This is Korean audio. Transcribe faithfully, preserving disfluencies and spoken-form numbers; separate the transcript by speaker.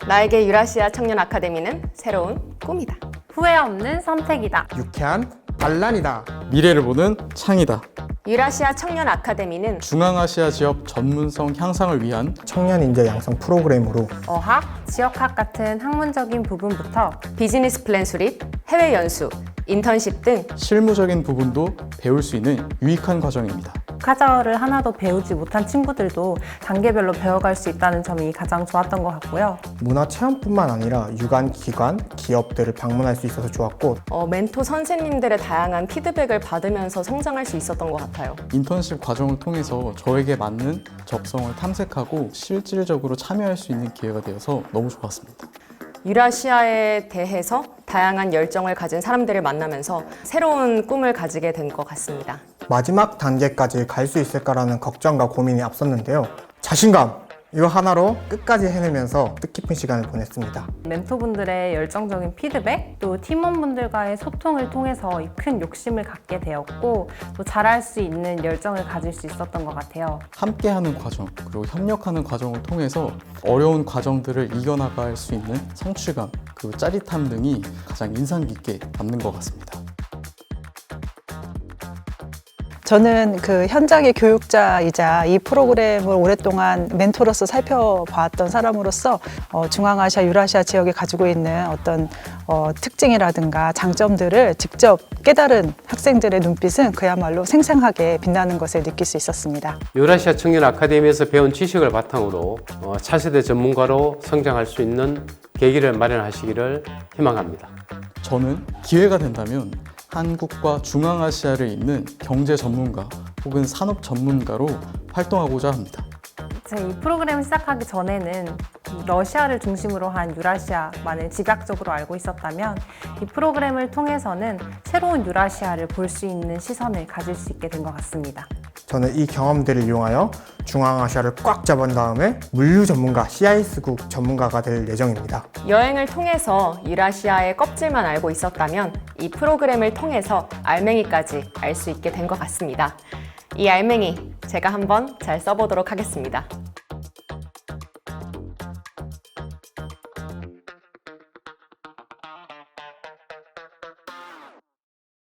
Speaker 1: 나에게 유라시아 청년 아카데미는 새로운 꿈이다.
Speaker 2: 후회 없는 선택이다.
Speaker 3: 유쾌한 반란이다.
Speaker 4: 미래를 보는 창이다.
Speaker 1: 유라시아 청년 아카데미는
Speaker 4: 중앙아시아 지역 전문성 향상을 위한
Speaker 3: 청년 인재 양성 프로그램으로
Speaker 2: 어학, 지역학 같은 학문적인 부분부터
Speaker 1: 비즈니스 플랜 수립, 해외 연수, 인턴십 등
Speaker 4: 실무적인 부분도 배울 수 있는 유익한 과정입니다.
Speaker 2: 카자흐를 하나도 배우지 못한 친구들도 단계별로 배워갈 수 있다는 점이 가장 좋았던 것 같고요.
Speaker 3: 문화 체험뿐만 아니라 유관, 기관, 기업들을 방문할 수 있어서 좋았고
Speaker 1: 어, 멘토 선생님들의 다양한 피드백을 받으면서 성장할 수 있었던 것 같아요.
Speaker 4: 인턴십 과정을 통해서 저에게 맞는 적성을 탐색하고 실질적으로 참여할 수 있는 기회가 되어서 너무 좋았습니다.
Speaker 1: 유라시아에 대해서 다양한 열정을 가진 사람들을 만나면서 새로운 꿈을 가지게 된 것 같습니다.
Speaker 3: 마지막 단계까지 갈 수 있을까라는 걱정과 고민이 앞섰는데요. 자신감! 이거 하나로 끝까지 해내면서 뜻깊은 시간을 보냈습니다.
Speaker 2: 멘토분들의 열정적인 피드백, 또 팀원분들과의 소통을 통해서 큰 욕심을 갖게 되었고 또 잘할 수 있는 열정을 가질 수 있었던 것 같아요.
Speaker 4: 함께하는 과정, 그리고 협력하는 과정을 통해서 어려운 과정들을 이겨나갈 수 있는 성취감, 그리고 짜릿함 등이 가장 인상 깊게 남는 것 같습니다.
Speaker 5: 저는 그 현장의 교육자이자 이 프로그램을 오랫동안 멘토로서 살펴봤던 사람으로서 어, 중앙아시아, 유라시아 지역이 가지고 있는 어떤 어, 특징이라든가 장점들을 직접 깨달은 학생들의 눈빛은 그야말로 생생하게 빛나는 것을 느낄 수 있었습니다.
Speaker 6: 유라시아 청년 아카데미에서 배운 지식을 바탕으로 어, 차세대 전문가로 성장할 수 있는 계기를 마련하시기를 희망합니다.
Speaker 4: 저는 기회가 된다면 한국과 중앙아시아를 잇는 경제 전문가 혹은 산업 전문가로 활동하고자 합니다.
Speaker 2: 제가 이 프로그램을 시작하기 전에는 러시아를 중심으로 한 유라시아만을 집약적으로 알고 있었다면 이 프로그램을 통해서는 새로운 유라시아를 볼 수 있는 시선을 가질 수 있게 된 것 같습니다.
Speaker 3: 저는 이 경험들을 이용하여 중앙아시아를 꽉 잡은 다음에 물류 전문가, 씨아이에스국 전문가가 될 예정입니다.
Speaker 1: 여행을 통해서 유라시아의 껍질만 알고 있었다면 이 프로그램을 통해서 알맹이까지 알 수 있게 된 것 같습니다. 이 알맹이 제가 한번 잘 써보도록 하겠습니다.